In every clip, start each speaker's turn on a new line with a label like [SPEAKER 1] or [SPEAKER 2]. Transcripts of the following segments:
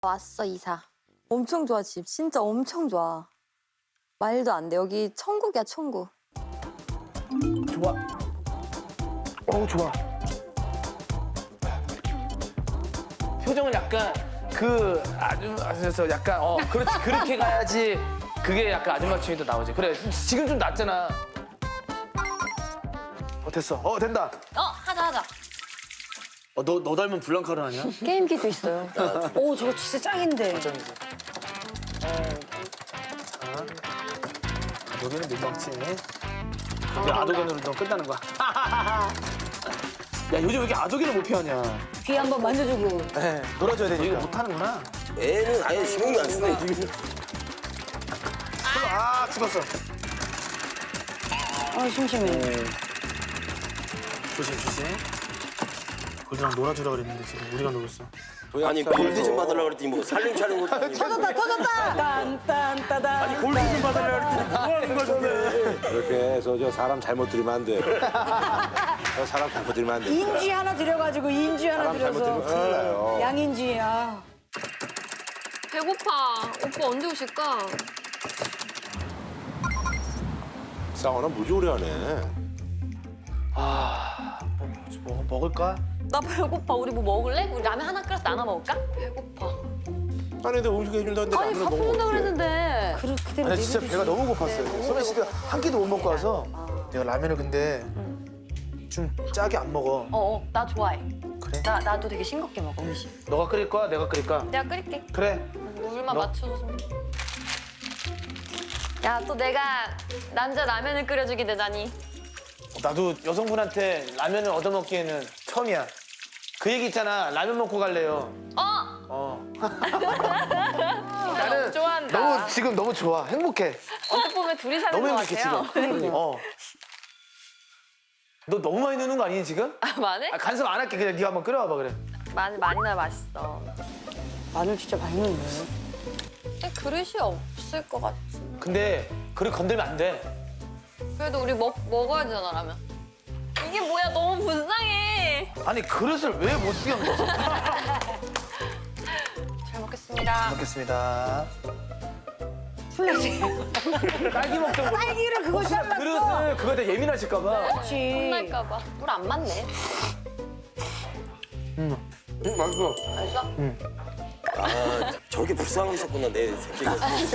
[SPEAKER 1] 왔어, 이사.
[SPEAKER 2] 엄청 좋아, 집. 진짜 엄청 좋아. 말도 안 돼. 여기 천국이야, 천국.
[SPEAKER 3] 좋아. 좋아. 표정은 약간 그 아줌마에서 약간 그렇지 그렇게 가야지 그게 약간 아줌마 춤이 나오지. 그래 지금 좀 낫잖아. 됐어. 된다.
[SPEAKER 1] 하자.
[SPEAKER 3] 너 닮은 블랑카를 하냐?
[SPEAKER 2] 게임기도 있어요.
[SPEAKER 4] 오, 저거 진짜 짱인데.
[SPEAKER 3] 걱정이지. 여기는 민망치. 우리 아도견으로 너 끝나는 거야. 야 요즘 왜 이렇게 아도견을 못 피하냐?
[SPEAKER 4] 귀 한번 만져주고.
[SPEAKER 3] 네, 놀아줘야 되니까. 이거 못하는구나.
[SPEAKER 5] 애는 아예 신경도 안 쓰네 지금.
[SPEAKER 3] 죽었어.
[SPEAKER 4] 심심해.
[SPEAKER 3] 조심. 골드랑 놀아주라 그랬는데 지금 우리가 놀고 있어.
[SPEAKER 5] 아니 골드 좀 받으려고 그랬더니 뭐 살림 차리는 것도 아니고.
[SPEAKER 4] 터졌다! 딴딴따단.
[SPEAKER 5] 골드 좀 받으려고 그랬더니 뭐 하는 거야 저게.
[SPEAKER 6] 그렇게 해서 저 사람 잘못 들이면 안 돼. 저 사람 잘못 들이면 안 돼.
[SPEAKER 4] 인쥐 하나 들여가지고 인쥐 하나
[SPEAKER 6] 사람 잘못 들이면
[SPEAKER 4] 들여서.
[SPEAKER 6] 큰일 나요.
[SPEAKER 4] 양인쥐야.
[SPEAKER 1] 배고파. 오빠 언제 오실까?
[SPEAKER 6] 쌍어나 무지 오래 하네.
[SPEAKER 3] 뭐 먹을까?
[SPEAKER 2] 나 배고파. 우리 뭐 먹을래? 우리 라면 하나 끓여서 나눠 먹을까?
[SPEAKER 1] 배고파.
[SPEAKER 6] 아니 근데 음식 해준다는데
[SPEAKER 2] 아니,
[SPEAKER 6] 라면을
[SPEAKER 2] 밥
[SPEAKER 6] 먹으면
[SPEAKER 2] 먹는다
[SPEAKER 6] 어떡해.
[SPEAKER 2] 그랬는데.
[SPEAKER 4] 그대로
[SPEAKER 3] 아니 진짜 배가 너무 고팠어요. 소민 씨가 한 끼도 못 먹고 와서 내가 라면을 근데 좀 짜게 안 먹어.
[SPEAKER 2] 나 좋아해.
[SPEAKER 3] 그래?
[SPEAKER 2] 나도 되게 싱겁게 먹어, 음식.
[SPEAKER 3] 너가 끓일 거야? 내가 끓일까?
[SPEAKER 1] 내가 끓일게.
[SPEAKER 3] 그래.
[SPEAKER 1] 물만
[SPEAKER 3] 너?
[SPEAKER 1] 맞춰서. 야, 또 내가 남자 라면을 끓여주게 되다니.
[SPEAKER 3] 나도 여성분한테 라면을 얻어먹기에는 처음이야. 그 얘기 있잖아. 라면 먹고 갈래요.
[SPEAKER 1] 나는 좋아한다.
[SPEAKER 3] 너무 지금 너무 좋아. 행복해.
[SPEAKER 1] 어떻게 보면 둘이 사는
[SPEAKER 3] 너무
[SPEAKER 1] 것
[SPEAKER 3] 행복해
[SPEAKER 1] 같아요.
[SPEAKER 3] 지금. 너 너무 많이 넣는 거 아니니 지금?
[SPEAKER 1] 마늘?
[SPEAKER 3] 간섭 안 할게. 그냥 네가 한번 끓여와봐 그래.
[SPEAKER 1] 마늘 많이 넣어야 맛있어.
[SPEAKER 4] 마늘 진짜 많이 넣네.
[SPEAKER 1] 근데 그릇이 없을 것 같지.
[SPEAKER 3] 근데 그릇 건들면 안 돼.
[SPEAKER 1] 그래도 우리 먹어야 되잖아, 라면. 이게 뭐야, 너무 불쌍해.
[SPEAKER 3] 아니 그릇을 왜 못 쓰게 한 거지?
[SPEAKER 1] 잘 먹겠습니다.
[SPEAKER 3] 먹겠습니다.
[SPEAKER 4] 플렉스.
[SPEAKER 3] 딸기 먹던 거.
[SPEAKER 4] 딸기를 그거 잘랐어.
[SPEAKER 3] 그릇을 그거에 대해 예민하실까 봐.
[SPEAKER 4] 그렇지.
[SPEAKER 1] 혼날까 봐. 물 안 맞네.
[SPEAKER 6] 맛있어.
[SPEAKER 1] 알았어?
[SPEAKER 5] 아 저렇게 불쌍하고 있었구나 내 새끼가.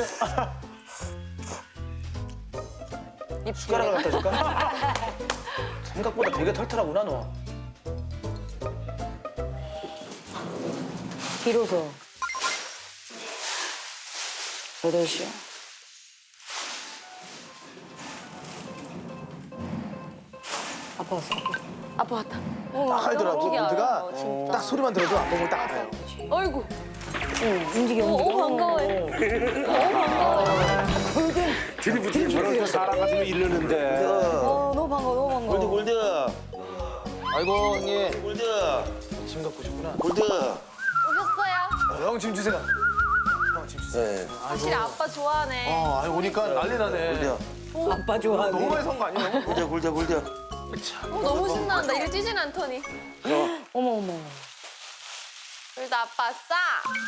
[SPEAKER 1] 입
[SPEAKER 3] 숟가락을 갖다 줄까? 생각보다 되게 털털하구나 너.
[SPEAKER 4] 비로소. 8시야. 아빠 왔어.
[SPEAKER 1] 아빠 왔다.
[SPEAKER 3] 딱 알더라고
[SPEAKER 1] 움직여,
[SPEAKER 3] 골드가.
[SPEAKER 1] 진짜.
[SPEAKER 3] 딱 소리만 들어도 안보면 딱 알아요.
[SPEAKER 1] 어이구.
[SPEAKER 4] 움직여.
[SPEAKER 1] 반가워해.
[SPEAKER 6] 저런 저 사람 같으면 이르는데.
[SPEAKER 4] 너무 반가워.
[SPEAKER 5] 골드 골드
[SPEAKER 3] 아이고 형님.
[SPEAKER 5] 골드
[SPEAKER 3] 짐 갖고 오셨구나.
[SPEAKER 5] 골드.
[SPEAKER 1] 오셨어요?
[SPEAKER 3] 형 짐 주세요. 형 짐 주세요.
[SPEAKER 5] 네.
[SPEAKER 1] 확실히 아빠 좋아하네.
[SPEAKER 3] 아니 오니까 난리 나네.
[SPEAKER 5] 골드야
[SPEAKER 4] 아빠 좋아하네.
[SPEAKER 3] 너무 많이 산 거 아니에요?
[SPEAKER 5] 골드야 골드야 골드야.
[SPEAKER 1] 너무 신난다. 이래 뛰진 않더니.
[SPEAKER 4] 어머.
[SPEAKER 1] 그래도 아빠 싸.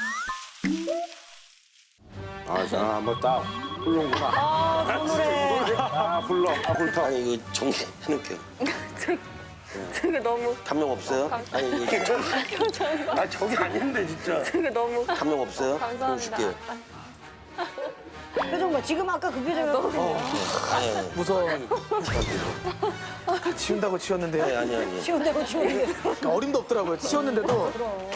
[SPEAKER 6] 자 한번 딱 훌렁구나.
[SPEAKER 4] 그 노래.
[SPEAKER 6] 훌렁. 훌렁.
[SPEAKER 5] 아니 이거 정리해놓을게요.
[SPEAKER 1] 되게 너무.
[SPEAKER 5] 감명 없어요? 아니 이거 아 저기 아닌데 진짜.
[SPEAKER 1] 되게 너무.
[SPEAKER 5] 감명 없어요?
[SPEAKER 1] 감사합니다.
[SPEAKER 5] 줄게.
[SPEAKER 4] 표정 봐. 지금 아까 그 표정이었거든요.
[SPEAKER 5] 아니
[SPEAKER 3] 무서워. 치운다고 치웠는데요.
[SPEAKER 5] 아니.
[SPEAKER 4] 치운다고 치운데.
[SPEAKER 3] 어림도 없더라고요. 치웠는데도.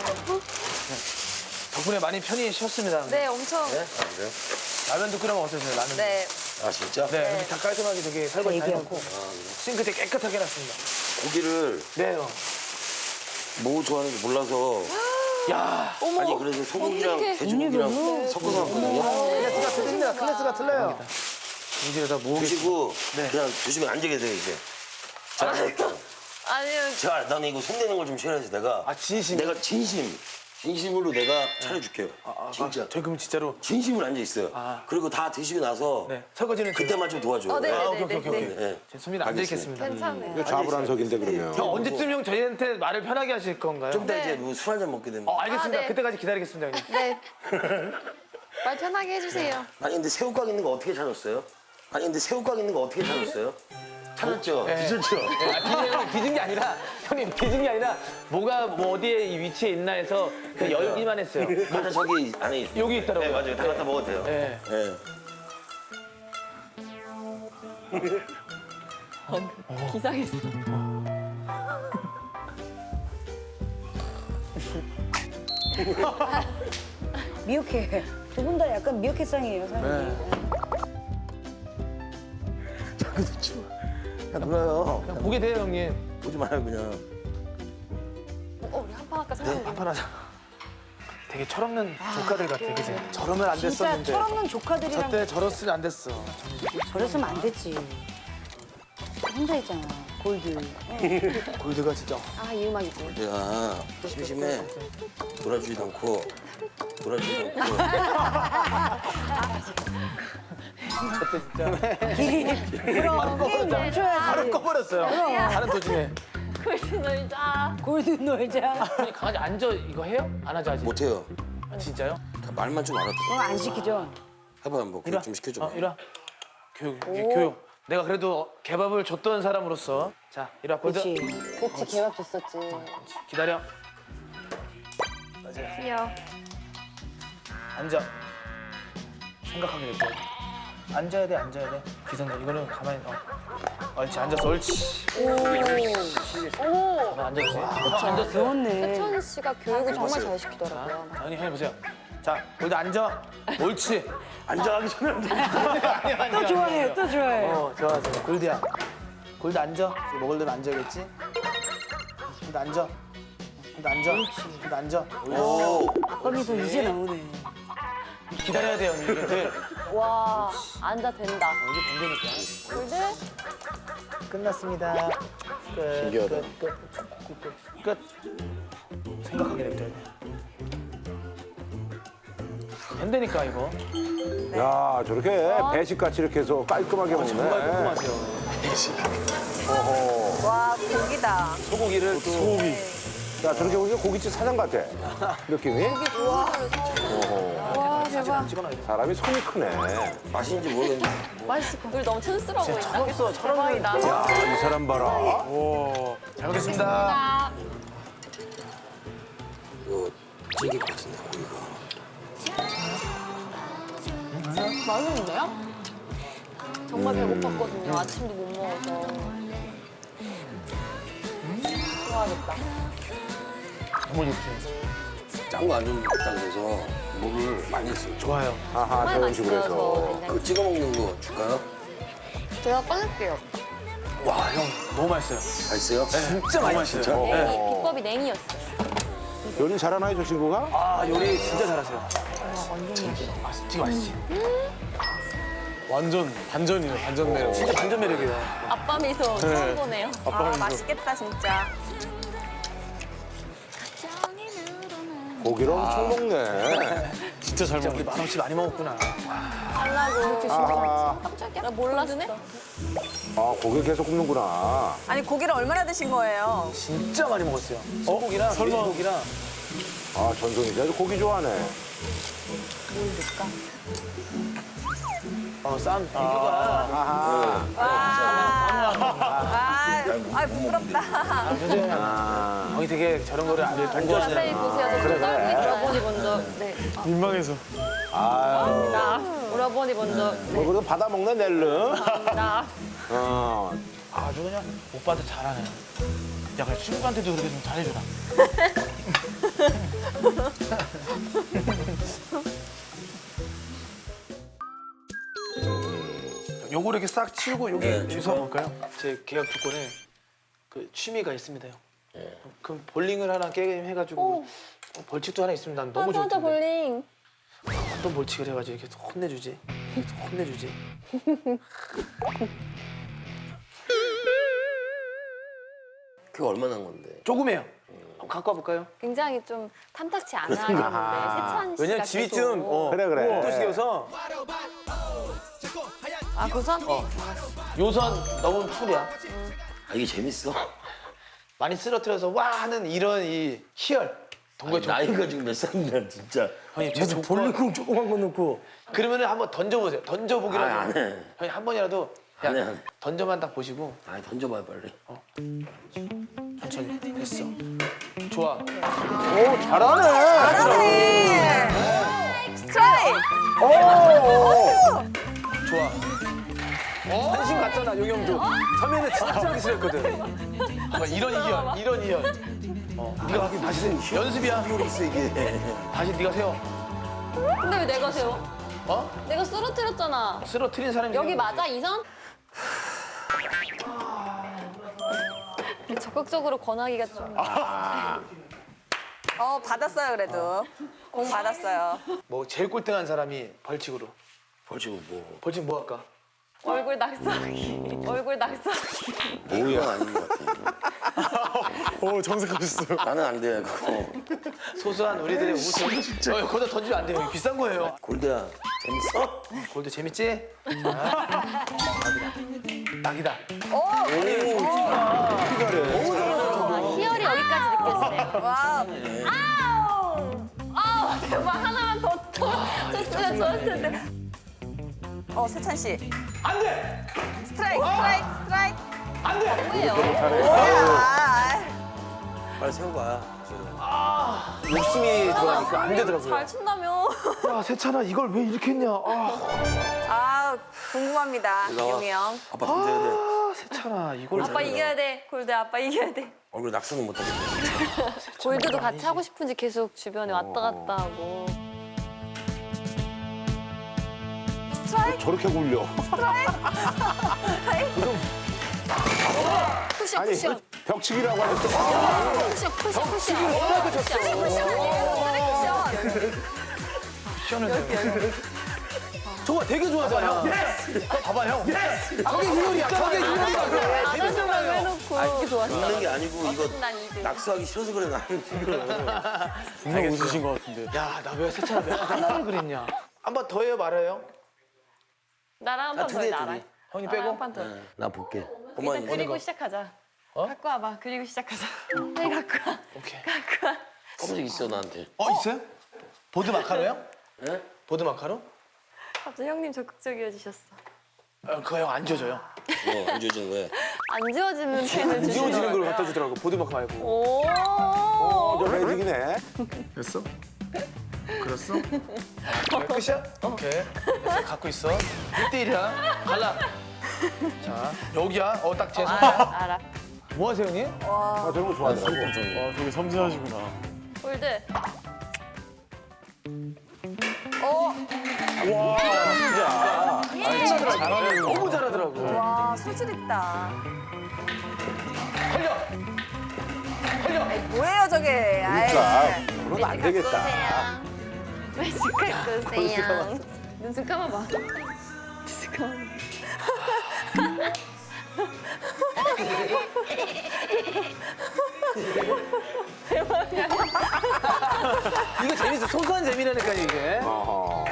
[SPEAKER 3] 덕분에 많이 편히 쉬었습니다.
[SPEAKER 1] 네, 엄청.
[SPEAKER 3] 라면도 끓여 먹었어요, 라면.
[SPEAKER 1] 네.
[SPEAKER 5] 아 진짜?
[SPEAKER 3] 네, 여기 다 깔끔하게 되게 설거지 다
[SPEAKER 4] 얘기하고.
[SPEAKER 3] 해놓고 싱크 대 깨끗하게 해놨습니다.
[SPEAKER 5] 고기를
[SPEAKER 3] 네, 형.
[SPEAKER 5] 뭐 좋아하는지 몰라서
[SPEAKER 3] 야,
[SPEAKER 5] 아니 그래서 소고기랑
[SPEAKER 1] 어떡해.
[SPEAKER 5] 돼지고기랑 섞어서 왔거든요.
[SPEAKER 3] 클래스가 틀립니다. 클래스가 틀려요. 이제다 모으겠습니다.
[SPEAKER 5] 드시고
[SPEAKER 3] 네.
[SPEAKER 5] 그냥 드시면 앉게 돼요 이제. 제가
[SPEAKER 1] 아니요.
[SPEAKER 5] 제가 나는 이거 손대는 걸 좀 싫어해서 내가
[SPEAKER 3] 아, 진심.
[SPEAKER 5] 내가 진심 진심으로 내가 차려줄게요. 진짜.
[SPEAKER 3] 저희 그럼 진짜로
[SPEAKER 5] 진심으로 앉아 있어요. 그리고 다 드시고 나서
[SPEAKER 3] 네 설거지는
[SPEAKER 5] 그때만 좀 도와줘.
[SPEAKER 1] 네,
[SPEAKER 3] 아,
[SPEAKER 1] 네,
[SPEAKER 3] 오케이
[SPEAKER 1] 네,
[SPEAKER 3] 오케이
[SPEAKER 1] 네.
[SPEAKER 3] 오케이.
[SPEAKER 5] 네.
[SPEAKER 3] 좋습니다. 앉아 있겠습니다.
[SPEAKER 1] 괜찮아요.
[SPEAKER 6] 이거 좌불안석인데 그러면.
[SPEAKER 3] 형 언제쯤 형 저희한테 말을 편하게 하실 건가요?
[SPEAKER 5] 좀 이따 이제 뭐 술 한 잔 먹게 되면.
[SPEAKER 3] 알겠습니다.
[SPEAKER 1] 아, 네.
[SPEAKER 3] 그때까지 기다리겠습니다 형님.
[SPEAKER 1] 네. 말 편하게 해주세요.
[SPEAKER 5] 아니 근데 새우깡 있는 거 어떻게 찾았어요? 아니 근데 새우깡 있는 거 어떻게 찾았어요? 찾았죠. 뒤졌죠.
[SPEAKER 3] 뒤진 게 아니라 형님 뒤진 게 아니라 뭐가 뭐 어디에 이 위치에 있나 해서 그냥 열기만 했어요.
[SPEAKER 5] 맞아 저기 안에 있어.
[SPEAKER 3] 여기 있더라고요.
[SPEAKER 5] 네 맞아요. 다 갖다 먹어도 돼요.
[SPEAKER 3] 네.
[SPEAKER 5] 네.
[SPEAKER 1] 기상했어.
[SPEAKER 4] 미역해. 두 분 다 약간 미역해상이에요, 사장님.
[SPEAKER 5] 자꾸 듣지 마. 야 놀아요.
[SPEAKER 3] 그냥 보게 돼요 형님.
[SPEAKER 5] 보지 마요 그냥.
[SPEAKER 1] 우리 한판 할까 생각해.
[SPEAKER 3] 한판 하자. 되게 철없는 조카들 같아, 그지? 저러면 안
[SPEAKER 4] 진짜
[SPEAKER 3] 됐었는데.
[SPEAKER 4] 철없는 조카들이랑
[SPEAKER 3] 저때 저랬으면 안 됐어.
[SPEAKER 4] 저랬으면 안 됐지. 혼자 있잖아, 골드.
[SPEAKER 3] 골드가 진짜.
[SPEAKER 1] 아, 이 음악이지.
[SPEAKER 5] 내가 심심해. 놀아주지도 않고. 놀아주지도 않고.
[SPEAKER 3] 그때 진짜.
[SPEAKER 4] 그럼 게임 멈춰야지.
[SPEAKER 3] 바로 꺼버렸어요. 가는 도중에.
[SPEAKER 1] 골드 놀자.
[SPEAKER 4] 골드 놀자.
[SPEAKER 3] 아니 강아지 앉아 이거 해요? 안 하죠 아직?
[SPEAKER 5] 못해요.
[SPEAKER 3] 아, 진짜요?
[SPEAKER 5] 말만 좀 알아듣어.
[SPEAKER 4] 그럼 안 시키죠.
[SPEAKER 5] 해봐 한번 교육 좀 시켜줘.
[SPEAKER 3] 이리 와. 교육, 이게 교육. 내가 그래도 개밥을 줬던 사람으로서 자, 이리 와. 골드.
[SPEAKER 4] 그렇지.
[SPEAKER 1] 그치, 개밥 줬었지.
[SPEAKER 3] 기다려.
[SPEAKER 1] 귀여워.
[SPEAKER 3] 앉아. 생각하게 될 거야. 앉아야 돼, 앉아야 돼. 기성전 이거는 가만히 옳지, 앉았어, 옳지. 가만히 앉아주세요. 앉았어요.
[SPEAKER 4] 배웠네.
[SPEAKER 1] 혜천 씨가 교육을 정말 잘 시키더라고요.
[SPEAKER 3] 자, 언니 해보세요. 자, 골드 앉아. 옳지.
[SPEAKER 5] 앉아가기 전에 앉아.
[SPEAKER 4] 또 좋아해, 또 좋아해.
[SPEAKER 3] 좋아하세요. 골드야. 골드 앉아. 먹을 데는 앉아야겠지? 골드 앉아. 골드 앉아. 골드 앉아.
[SPEAKER 5] 오.
[SPEAKER 4] 아빠 미소 이제 나오네.
[SPEAKER 3] 기다려야 돼요, 언니. 이게 돼.
[SPEAKER 1] 와, 앉아 된다.
[SPEAKER 3] 이게 된다니까.
[SPEAKER 1] 골드?
[SPEAKER 3] 끝났습니다. 끝.
[SPEAKER 6] 신기하다.
[SPEAKER 3] 끝. 생각하게 됩니다. 된다니까 이거.
[SPEAKER 6] 야 저렇게 배식같이 이렇게 해서 깔끔하게 먹네.
[SPEAKER 3] 정말 궁금하세요.
[SPEAKER 2] 와 고기다.
[SPEAKER 3] 소고기를 소고기.
[SPEAKER 6] 야 저렇게 보니까 고깃집 사장 같아. 느낌이.
[SPEAKER 1] 와, 대박.
[SPEAKER 3] 찍어놔야 돼.
[SPEAKER 6] 사람이 손이 크네.
[SPEAKER 5] 맛있는지 모르겠는데.
[SPEAKER 1] 맛있을 것 같아. 우리 너무 촌스러워 보인다.
[SPEAKER 3] 철없어, 철없는.
[SPEAKER 1] 대박이다.
[SPEAKER 6] 야 이 사람 봐라.
[SPEAKER 3] 오, 잘 먹겠습니다.
[SPEAKER 1] 아,
[SPEAKER 5] 이거 질길 것 같은데 고기가.
[SPEAKER 1] 맛있는데요? 정말 배고팠거든요. 아침도 못 먹어서. 좋아하겠다.
[SPEAKER 3] 너무 좋지.
[SPEAKER 5] 짠 거 안 좋은 식당에서 물을 많이 했어요.
[SPEAKER 3] 좋아요.
[SPEAKER 6] 아하
[SPEAKER 1] 정말
[SPEAKER 6] 저런 식으로
[SPEAKER 1] 맛있어요,
[SPEAKER 6] 해서.
[SPEAKER 1] 저 된장찌개.
[SPEAKER 5] 그 찍어 먹는 거 줄까요?
[SPEAKER 1] 제가 꺼낼게요.
[SPEAKER 3] 와, 형 너무 맛있어요.
[SPEAKER 5] 맛있어요?
[SPEAKER 3] 진짜 맛있어요.
[SPEAKER 1] 냉이, 비법이 냉이였어요.
[SPEAKER 6] 요리 잘하나요 저 친구가?
[SPEAKER 3] 아, 요리 진짜 잘하세요. 진짜 맛있지.
[SPEAKER 7] 완전 반전이에요, 반전 매력.
[SPEAKER 3] 진짜 반전 매력이에요.
[SPEAKER 1] 아빠 미소 처음 보네요.
[SPEAKER 2] 맛있겠다 진짜.
[SPEAKER 6] 고기를 엄청 먹네.
[SPEAKER 7] 진짜 잘
[SPEAKER 3] 진짜
[SPEAKER 7] 먹네.
[SPEAKER 3] 우리 만원씩 많이 먹었구나.
[SPEAKER 1] 하려고.
[SPEAKER 6] 아,
[SPEAKER 1] 깜짝이야. 나 몰랐어.
[SPEAKER 6] 아 고기 계속 굽는구나.
[SPEAKER 2] 아니 고기를 얼마나 드신 거예요?
[SPEAKER 3] 진짜 많이 먹었어요. 소고기랑
[SPEAKER 7] 설마.
[SPEAKER 3] 고기랑
[SPEAKER 6] 아 전송이지 아주 고기 좋아하네.
[SPEAKER 3] 쌈 비교가
[SPEAKER 2] 아 부끄럽다.
[SPEAKER 3] 형이 되게 저런 거를 안
[SPEAKER 1] 자세히
[SPEAKER 3] 좋아하시잖아요.
[SPEAKER 1] 보세요. 저 떨고 있어요. 오라버니 먼저. 네.
[SPEAKER 7] 민망해서.
[SPEAKER 6] 아유
[SPEAKER 1] 나. 오라버니 먼저.
[SPEAKER 6] 뭐 그래도 받아 먹네 낼름.
[SPEAKER 1] 나.
[SPEAKER 6] 어.
[SPEAKER 3] 아주 그냥 오빠한테 잘하네. 야, 그래 친구한테도 그렇게 좀 잘해주라. 요거를 이렇게 싹 치우고 여기 여기서 볼까요? 제 계약 조건에 그 취미가 있습니다, 형. 그럼 볼링을 하나 게임 해가지고 벌칙도 하나 있으면 난 너무 좋을
[SPEAKER 1] 혼자
[SPEAKER 3] 텐데.
[SPEAKER 1] 볼링.
[SPEAKER 3] 어떤 벌칙을 해가지고 이렇게 혼내주지? 이렇게 혼내주지?
[SPEAKER 5] 그게 얼마나 한 건데?
[SPEAKER 3] 조금해요. 한번 갖고 와볼까요?
[SPEAKER 1] 굉장히 좀 탐탁치 않아 하겠는데 세찬 씨가
[SPEAKER 7] 왜냐면 집이
[SPEAKER 1] 계속.
[SPEAKER 7] 좀
[SPEAKER 6] 그래.
[SPEAKER 7] 도시여서
[SPEAKER 1] 아 고선?
[SPEAKER 3] 요선 너무 풀이야.
[SPEAKER 5] 아, 이게 재밌어?
[SPEAKER 3] 많이 쓰러뜨려서 와 하는 이런 이 희열. 동거에
[SPEAKER 5] 아니, 나이가 지금 몇 살인데 진짜.
[SPEAKER 3] 형님
[SPEAKER 4] 저 볼링공 조그만 거 넣고.
[SPEAKER 3] 그러면은 한번 던져보세요. 던져보기라도.
[SPEAKER 5] 아, 안 해.
[SPEAKER 3] 형님 한 번이라도
[SPEAKER 5] 안 해,
[SPEAKER 3] 야,
[SPEAKER 5] 안 해.
[SPEAKER 3] 던져만 딱 보시고
[SPEAKER 5] 아니, 던져봐요, 빨리.
[SPEAKER 3] 천천히 됐어. 좋아.
[SPEAKER 2] 스트라이크.
[SPEAKER 3] 좋아.
[SPEAKER 7] 한신 같잖아 용영도. 처음에는 진짜 하기 싫었거든.
[SPEAKER 3] 봐봐, 이런 희열, 이런 희열. 네가 다시 연습이야.
[SPEAKER 5] 있어, 이게.
[SPEAKER 3] 다시 네가 세워.
[SPEAKER 1] 근데 왜 내가 세워?
[SPEAKER 3] 어?
[SPEAKER 1] 내가 쓰러뜨렸잖아.
[SPEAKER 3] 쓰러뜨린 사람이
[SPEAKER 1] 여기
[SPEAKER 3] 세우는 거지.
[SPEAKER 1] 맞아 이선? 적극적으로 권하기가 좀.
[SPEAKER 2] 받았어요 그래도. 공 받았어요.
[SPEAKER 3] 뭐 제일 꼴등한 사람이 벌칙으로.
[SPEAKER 5] 벌칙은 뭐.
[SPEAKER 3] 벌칙 뭐 할까?
[SPEAKER 1] 얼굴 낙서하기. 얼굴 낙서하기.
[SPEAKER 5] 뭐야? 아닌 것 같아.
[SPEAKER 7] 오 정색하셨어요.
[SPEAKER 5] 나는 안 돼, 그거.
[SPEAKER 3] 소소한 우리들의 웃음. 거기다 던지면 안 돼요. 비싼 거예요.
[SPEAKER 5] 골드야, 재밌어?
[SPEAKER 3] 골드 재밌지? 자, 낙이다.
[SPEAKER 1] 아, 희열이 여기까지 느껴지네요.
[SPEAKER 2] 와.
[SPEAKER 1] 아우 대박 하나만 더 쳤으면 좋았을 텐데.
[SPEAKER 2] 세찬 씨.
[SPEAKER 3] 안 돼!
[SPEAKER 2] 스트라이크.
[SPEAKER 3] 안 돼!
[SPEAKER 1] 뭐예요?
[SPEAKER 2] 뭐야?
[SPEAKER 5] 빨리 세워봐, 지금.
[SPEAKER 7] 욕심이 들어가니까 안 되더라고요.
[SPEAKER 1] 잘 친다며.
[SPEAKER 3] 야, 세찬아, 이걸 왜 이렇게 했냐?
[SPEAKER 2] 궁금합니다. 용이 형.
[SPEAKER 5] 아빠 던져야 돼.
[SPEAKER 3] 세찬아, 이걸.
[SPEAKER 1] 아빠 이겨야 돼. 골드 아빠 이겨야 돼.
[SPEAKER 5] 얼굴 낙서는 못하겠다.
[SPEAKER 1] 골드도 같이 하고 싶은지 계속 주변에 왔다 갔다 하고.
[SPEAKER 6] 저렇게 굴려.
[SPEAKER 1] 쿠션
[SPEAKER 6] 아니
[SPEAKER 1] 쿠션.
[SPEAKER 6] 벽치기라고 하는데
[SPEAKER 1] 쿠션 쿠션 쿠션.
[SPEAKER 3] 시원해. 저거 되게 좋아하잖아. 봐봐, 형. 저게 희열이야. 저게 희열이야.
[SPEAKER 1] 안 하려고 해놓고. 이게 좋았어.
[SPEAKER 5] 웃는 게 아니고 이거
[SPEAKER 1] 난 이들.
[SPEAKER 5] 낙서하기 싫어서 그래, 나는 지금.
[SPEAKER 7] 분명 웃으신 것 같은데.
[SPEAKER 3] 야, 나 왜 세찬아 왜 하나를 그랬냐? 한 번 더 해요, 말아요?
[SPEAKER 1] 나랑 한 판 더 해, 나랑.
[SPEAKER 3] 형님
[SPEAKER 1] 나랑
[SPEAKER 3] 빼고?
[SPEAKER 1] 한 판 더.
[SPEAKER 5] 나 볼게.
[SPEAKER 1] 일단
[SPEAKER 5] 어머니,
[SPEAKER 1] 그리고 시작하자. 갖고 와봐. 그리고 시작하자. 빨리 갖고 와.
[SPEAKER 3] 오케이.
[SPEAKER 1] 갖고 와.
[SPEAKER 5] 검은색 있어, 나한테.
[SPEAKER 3] 있어요? 보드 마카로요?
[SPEAKER 5] 예?
[SPEAKER 3] 보드 마카로?
[SPEAKER 1] 갑자기 형님 적극적이어지셨어.
[SPEAKER 3] 그거 형 안 줘줘요.
[SPEAKER 5] 안 주어지는 거야.
[SPEAKER 1] 안 지워지는 펜을
[SPEAKER 7] 안 지워지는
[SPEAKER 1] 주시더라고요.
[SPEAKER 7] 걸 갖다 주더라고 보드마크 말고.
[SPEAKER 1] 오.
[SPEAKER 6] 저 매직이네.
[SPEAKER 3] 됐어? 그랬어? 끝이야? 오케이. 됐어, 갖고 있어. 1대1이야. 갈라. 자, 여기야. 딱 제 손.
[SPEAKER 1] 알아.
[SPEAKER 3] 뭐 하세요, 형님?
[SPEAKER 6] 아, 저런 거 좋아하더라고.
[SPEAKER 7] 되게 섬세하시구나.
[SPEAKER 1] 골드.
[SPEAKER 3] 너무 잘하더라고.
[SPEAKER 2] 와, 소질 있다.
[SPEAKER 3] 걸려! 걸려!
[SPEAKER 2] 뭐예요, 저게?
[SPEAKER 6] 그러니까 그러면 안 되겠다.
[SPEAKER 1] 매직 갖고 오세요. 눈썹 감아봐. 눈썹 감아봐.
[SPEAKER 3] 이거 재밌어. 소소한 재미라니까, 이게.
[SPEAKER 6] 어허.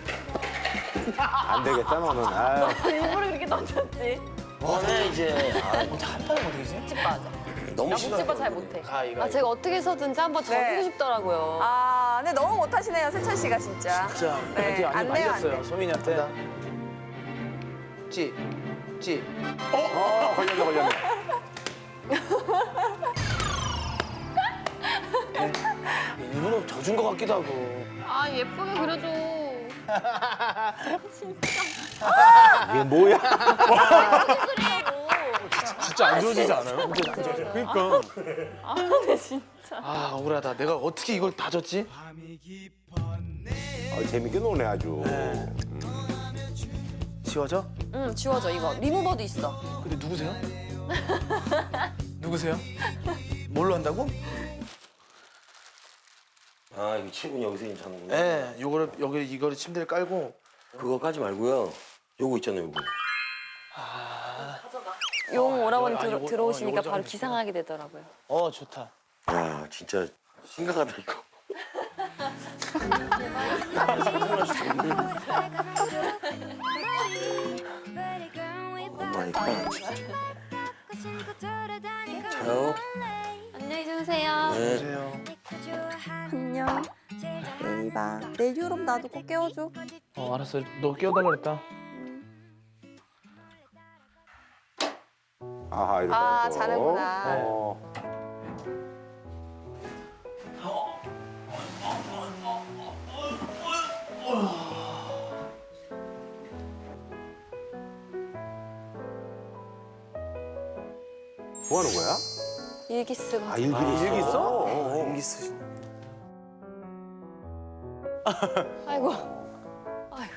[SPEAKER 6] 안 되겠다 너는. 아유.
[SPEAKER 1] 일부러 그렇게 던졌지.
[SPEAKER 5] 그만해, 이제.
[SPEAKER 3] 어떻게 한 판에 못 이기지?
[SPEAKER 1] 집 빠져.
[SPEAKER 5] 너무
[SPEAKER 1] 나
[SPEAKER 5] 싫어.
[SPEAKER 1] 묵집바 잘 못해.
[SPEAKER 3] 이거.
[SPEAKER 1] 아 제가 어떻게 해서든지 한번 져주고
[SPEAKER 2] 네.
[SPEAKER 1] 싶더라고요.
[SPEAKER 2] 근데 너무 못하시네요, 세찬 씨가 진짜.
[SPEAKER 3] 진짜.
[SPEAKER 2] 네,
[SPEAKER 3] 멘트
[SPEAKER 2] 안
[SPEAKER 3] 많이
[SPEAKER 2] 돼요, 안
[SPEAKER 3] 말렸어요,
[SPEAKER 2] 돼.
[SPEAKER 3] 소민이한테. 찌. 찌.
[SPEAKER 6] 걸렸네.
[SPEAKER 3] 일부러 져준 것 같기도 하고.
[SPEAKER 1] 아 예쁘게 그려줘.
[SPEAKER 6] 이게 뭐야?
[SPEAKER 1] 그리라고.
[SPEAKER 7] 진짜 안 지워지지 않아요? 그러니까.
[SPEAKER 1] 아네 진짜.
[SPEAKER 3] 억울하다. 내가 어떻게 이걸 다 졌지?
[SPEAKER 6] 재밌게 노네 아주.
[SPEAKER 3] 지워져?
[SPEAKER 1] 응 지워져 이거. 리무버도 있어.
[SPEAKER 3] 근데 누구세요? 누구세요? 뭘로 한다고?
[SPEAKER 5] 아, 이거 칠군 여기서 괜찮은구나.
[SPEAKER 3] 네, 요거를 여기 이거를 침대를 깔고
[SPEAKER 5] 그거 까지 말고요. 요거 있잖아요, 요거.
[SPEAKER 2] 용 오라버니
[SPEAKER 3] 요거,
[SPEAKER 2] 들어오시니까
[SPEAKER 3] 요거
[SPEAKER 2] 바로
[SPEAKER 3] 좀
[SPEAKER 2] 기상하게 되더라고요.
[SPEAKER 3] 좋다.
[SPEAKER 5] 야 진짜 심각하다 이거. 마이 갓. 자요.
[SPEAKER 2] 안녕히 주무세요.
[SPEAKER 5] 네.
[SPEAKER 3] 보세요.
[SPEAKER 2] 안녕. 내일 봐. 내일 유럽 나도 꼭 깨워줘.
[SPEAKER 3] 알았어. 너 깨워달라 그랬다.
[SPEAKER 6] 아하 이렇게.
[SPEAKER 2] 아,
[SPEAKER 6] 해서.
[SPEAKER 2] 자는구나.
[SPEAKER 6] 어. 뭐 하는 거야?
[SPEAKER 2] 일기 쓰고.
[SPEAKER 6] 아 일기를 써?
[SPEAKER 3] 일기 써?
[SPEAKER 6] 일기 쓰시.
[SPEAKER 2] 아이고. 아이고.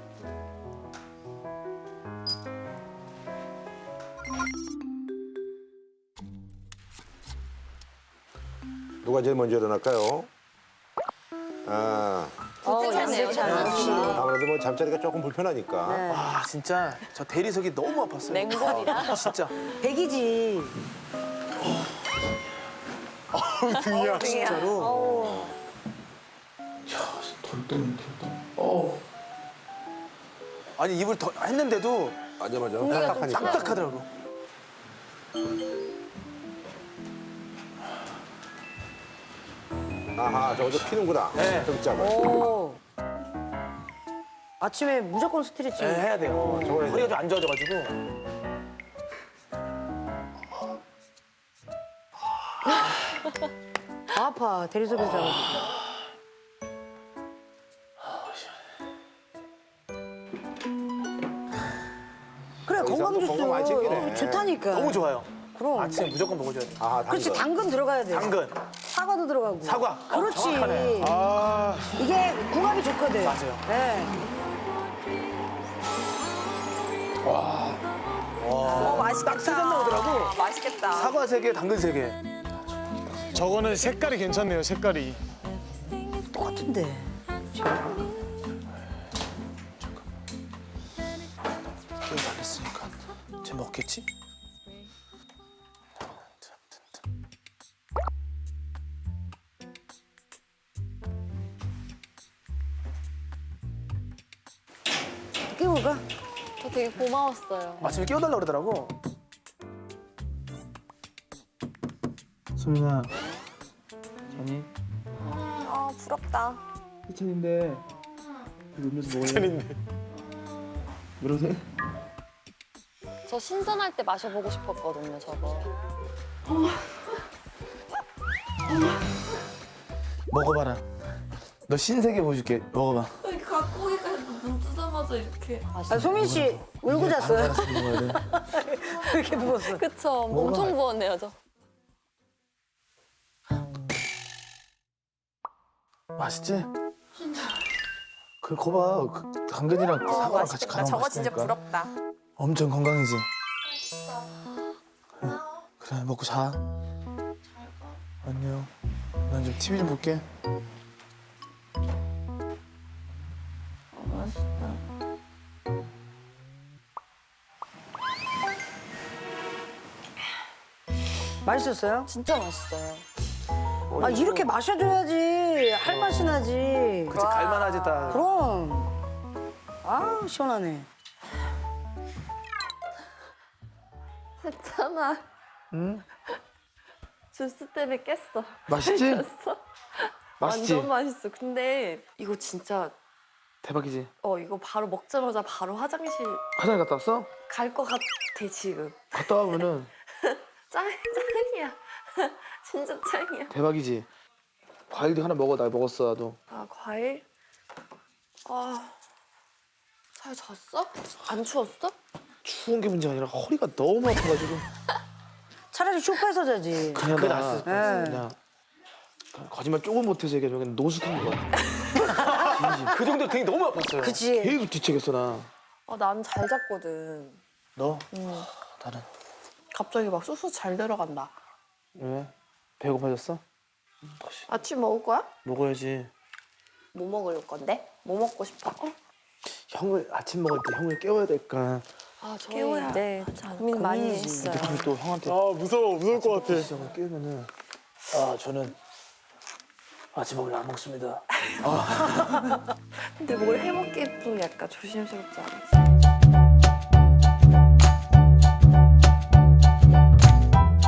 [SPEAKER 6] 누가 제일 먼저 일어날까요? 아
[SPEAKER 2] 괜찮네요.
[SPEAKER 6] 아무래도 뭐 잠자리가 조금 불편하니까.
[SPEAKER 3] 와 진짜 저 대리석이 너무 아팠어요.
[SPEAKER 2] 맹골이라.
[SPEAKER 3] 진짜.
[SPEAKER 4] 백이지.
[SPEAKER 3] 등이야 진짜로. 아니 입을 더 했는데도
[SPEAKER 6] 맞아 맞아.
[SPEAKER 2] 공기가 좀
[SPEAKER 6] 딱딱하니까.
[SPEAKER 3] 딱딱하더라고.
[SPEAKER 6] 아하 저거 피는구나.
[SPEAKER 3] 네.
[SPEAKER 6] 등짝을.
[SPEAKER 4] 오. 아침에 무조건 스트레칭.
[SPEAKER 3] 네, 해야 돼요.
[SPEAKER 6] 저거 해야
[SPEAKER 3] 허리가 좀 안 좋아져가지고.
[SPEAKER 4] 아파. 대리석에서 자가지고. 그래 건강 주스.
[SPEAKER 6] 건강 많이 챙기네.
[SPEAKER 4] 좋다니까.
[SPEAKER 3] 너무 좋아요.
[SPEAKER 4] 그럼.
[SPEAKER 3] 아침에 무조건 먹어줘야 돼.
[SPEAKER 6] 아하
[SPEAKER 4] 그렇지
[SPEAKER 6] 당근.
[SPEAKER 4] 당근 들어가야 돼.
[SPEAKER 3] 당근,
[SPEAKER 4] 사과도 들어가고.
[SPEAKER 3] 사과.
[SPEAKER 4] 그렇지.
[SPEAKER 3] 정확하네. 아
[SPEAKER 4] 이게 궁합이 좋거든.
[SPEAKER 3] 맞아요.
[SPEAKER 4] 네.
[SPEAKER 3] 딱 세 잔 나오더라고.
[SPEAKER 2] 맛있겠다.
[SPEAKER 3] 사과 3개, 당근 3개.
[SPEAKER 8] 저거는 색깔이 괜찮네요, 색깔이.
[SPEAKER 4] 똑같은데.
[SPEAKER 3] 게임 안 했으니까 쟤 먹겠지?
[SPEAKER 4] 깨워가.
[SPEAKER 2] 저 되게 고마웠어요.
[SPEAKER 3] 아침에 깨워달라 그러더라고. 소민아, 자니?
[SPEAKER 2] 아, 부럽다.
[SPEAKER 3] 희찬인데 음료수 먹을래? 희찬인데 그러세요?
[SPEAKER 2] 저 신선할 때 마셔보고 싶었거든요, 저거.
[SPEAKER 3] 먹어봐라. 너 신세계 보여줄게. 먹어봐.
[SPEAKER 2] 갓고기가 눈 뜨자마자 이렇게.
[SPEAKER 4] 아, 소민 씨 울고 잤어요? 이렇게 누웠어.
[SPEAKER 2] 그쵸. 엄청 부었네요, 저.
[SPEAKER 3] 맛있지? 그 거봐. 그 당근이랑 사과랑 같이 갈아 먹으면
[SPEAKER 2] 저거 진짜
[SPEAKER 3] 맛있다니까.
[SPEAKER 2] 부럽다.
[SPEAKER 3] 엄청 건강이지? 그래 먹고 자. 안녕. 난 좀 TV 좀 볼게.
[SPEAKER 4] 맛있었어요?
[SPEAKER 2] 진짜 맛있어요.
[SPEAKER 4] 아 이렇게 마셔줘야지 할 맛이 나지.
[SPEAKER 3] 그치 갈만하지 딱.
[SPEAKER 4] 그럼. 아 시원하네.
[SPEAKER 2] 했잖아.
[SPEAKER 3] 응?
[SPEAKER 2] 주스 때문에 깼어.
[SPEAKER 3] 맛있지?
[SPEAKER 2] 깼어.
[SPEAKER 3] 맛있지?
[SPEAKER 2] 완전 맛있어. 근데 이거 진짜
[SPEAKER 3] 대박이지?
[SPEAKER 2] 이거 바로 먹자마자 바로 화장실
[SPEAKER 3] 화장실 갔다 왔어?
[SPEAKER 2] 갈 것 같아 지금.
[SPEAKER 3] 갔다 와보면은
[SPEAKER 2] 짱이야. 진짜 짱이야.
[SPEAKER 3] 대박이지? 과일도 하나 먹어. 나 먹었어 나도.
[SPEAKER 2] 아 과일? 잘 잤어? 안 추웠어?
[SPEAKER 3] 추운 게 문제가 아니라 허리가 너무 아파가지고.
[SPEAKER 4] 차라리 소파에서 자지.
[SPEAKER 3] 그게 낫을 뻔했어.
[SPEAKER 4] 네.
[SPEAKER 3] 그냥 거짓말 조금 못해서 얘기하면 그냥 노숙한 것 같아. 진심. 그 정도로 되게 너무 아팠어요.
[SPEAKER 4] 그치.
[SPEAKER 3] 계속 뒤척였어 나.
[SPEAKER 2] 난 잘 잤거든.
[SPEAKER 3] 너? 나는.
[SPEAKER 2] 갑자기 막 쑥쑥 잘 들어간다.
[SPEAKER 3] 왜? 배고파졌어?
[SPEAKER 2] 아침 먹을 거야?
[SPEAKER 3] 먹어야지.
[SPEAKER 2] 뭐 먹을 건데? 뭐 먹고 싶어?
[SPEAKER 3] 형을 아침 먹을 때 형을 깨워야 될까
[SPEAKER 2] 아, 저희
[SPEAKER 4] 깨워야
[SPEAKER 2] 네, 고민 많이 했어요.
[SPEAKER 3] 또 형한테
[SPEAKER 8] 아 무서워 무서울 것 같아.
[SPEAKER 3] 시작을 깨우면은 저는 아침밥을 안 먹습니다.
[SPEAKER 2] 근데 뭘 해먹기 좀 약간 조심스럽지 않아요?